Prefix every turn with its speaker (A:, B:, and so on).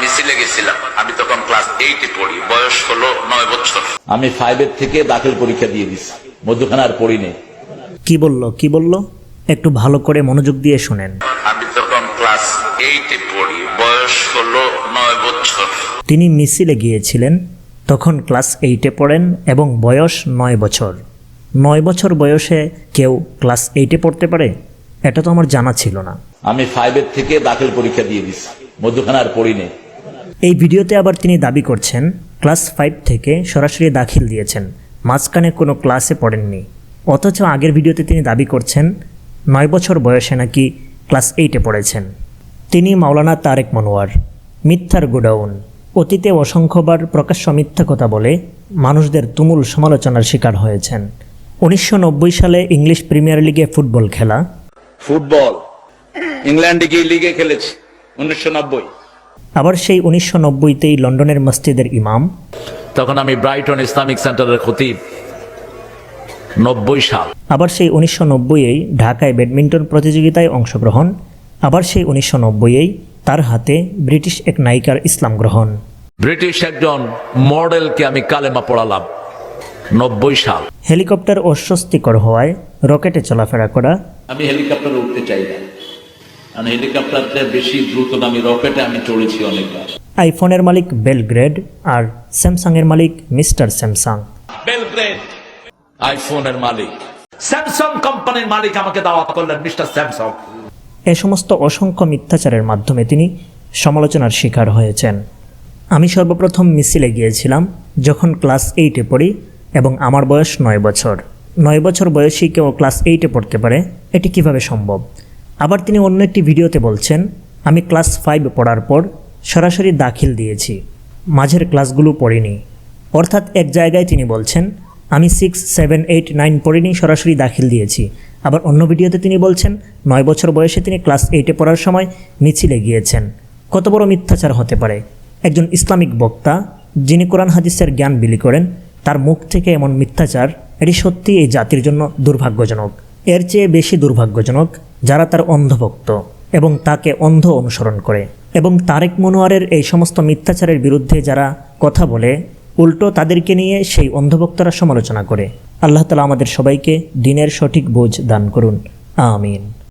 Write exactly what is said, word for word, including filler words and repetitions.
A: মিছিলে গেছিলাম, আমি তখন ক্লাস এইটে পড়ি, বয়স হলো নয় বছর।
B: আমি ফাইভের থেকে দাখিল পরীক্ষা দিয়ে দিছি, মধ্যখানে আর পড়ি নেই।
C: কি বলল কি বলল একটু ভালো করে মনোযোগ দিয়ে শুনেন।
A: আমি তখন ক্লাস এইটে পড়ি, বয়স হলো নয় বছর।
C: তিনি মিছিলে গিয়েছিলেন, তখন ক্লাস এইটে পড়েন এবং বয়স নয় বছর। নয় বছর বয়সে কেউ ক্লাস এইটে পড়তে পারে? এটা তো আমার জানা ছিল না।
B: আমি ফাইভের থেকে দাখিল পরীক্ষা দিয়ে দিছি, মধ্যখানে আর পড়ি নেই।
C: এই ভিডিওতে আবার তিনি দাবি করছেন ক্লাস ফাইভ থেকে সরাসরি দাখিল দিয়েছেন, মাঝখানে কোনো ক্লাসে পড়েননি। অথচ আগের ভিডিওতে তিনি দাবি করছেন নয় বছর বয়সে নাকি ক্লাস এইটে পড়েছেন। তিনি মাওলানা তারেক মনোয়ার, মিথ্যার গোডাউন। অতীতে অসংখ্যবার প্রকাশ্য মিথ্যা কথা বলে মানুষদের তুমুল সমালোচনার শিকার হয়েছেন। উনিশশো নব্বই সালে ইংলিশ প্রিমিয়ার লিগে ফুটবল খেলা,
B: ফুটবল ইংল্যান্ডে গিয়ে লিগে খেলেছি উনিশশো নব্বই।
C: আবার সেই উনিশশো নব্বইতেই লন্ডনের মসজিদের ইমাম,
B: তখন আমি ব্রাইটন ইসলামিক সেন্টারের খতিব, নব্বই সাল।
C: আবার সেই উনিশশো নব্বইয়েই ঢাকায় ব্যাডমিন্টন প্রতিযোগিতায় অংশগ্রহণ, আবার সেই উনিশশো নব্বইয়েই তার হাতে ব্রিটিশ এক নায়িকার ইসলাম গ্রহণ।
B: ব্রিটিশ একজন মডেলকে আমি কালেমা পড়ালাম, নব্বই সাল।
C: হেলিকপ্টার অস্বস্তিকর হওয়ায় রকেটে চলাফেরা করা,
B: আমি হেলিকপ্টারে উঠতে চাই না, কারণ হেলিকপ্টারটা বেশি দ্রুতগামী, রকেটে আমি চড়েছি অনেকবার।
C: আইফোনের মালিক বেলগ্রেড আর স্যামসাংয়ের মালিক মিস্টার স্যামসাং।
B: বেলগ্রেড আইফোনের মালিক, স্যামসাং কোম্পানির মালিক আমাকে দাওয়াত করলেন মিস্টার স্যামসাং।
C: এ সমস্ত অসংখ্য মিথ্যাচারের মাধ্যমে তিনি সমালোচনার শিকার হয়েছেন। আমি সর্বপ্রথম মিছিলে গিয়েছিলাম যখন ক্লাস এইটে পড়ি এবং আমার বয়স নয় বছর। নয় বছর বয়সী কেউ ক্লাস এইটে পড়তে পারে, এটি কিভাবে সম্ভব? আবার তিনি অন্য একটি ভিডিওতে বলছেন আমি ক্লাস ফাইভ পড়ার পর সরাসরি দাখিল দিয়েছি, মাঝের ক্লাসগুলো পড়িনি। অর্থাৎ এক জায়গায় তিনি বলছেন আমি সিক্স সেভেন এইট নাইন পড়িনি, সরাসরি দাখিল দিয়েছি। আবার অন্য ভিডিওতে তিনি বলছেন নয় বছর বয়সে তিনি ক্লাস এইটে পড়ার সময় মিছিলে গিয়েছেন। কত বড় মিথ্যাচার হতে পারে! একজন ইসলামিক বক্তা যিনি কোরআন হাদিসের জ্ঞান বিলি করেন, তার মুখ থেকে এমন মিথ্যাচার, এটি সত্যি এই জাতির জন্য দুর্ভাগ্যজনক। এর চেয়ে বেশি দুর্ভাগ্যজনক যারা তার অন্ধভক্ত এবং তাকে অন্ধ অনুসরণ করে। এবং তারেক মনোয়ারের এই সমস্ত মিথ্যাচারের বিরুদ্ধে যারা কথা বলে, উল্টো তাদেরকে নিয়ে সেই অন্ধভক্তরা সমালোচনা করে। আল্লাহ তাআলা আমাদের সবাইকে দ্বীনের সঠিক বুঝ দান করুন, আমিন।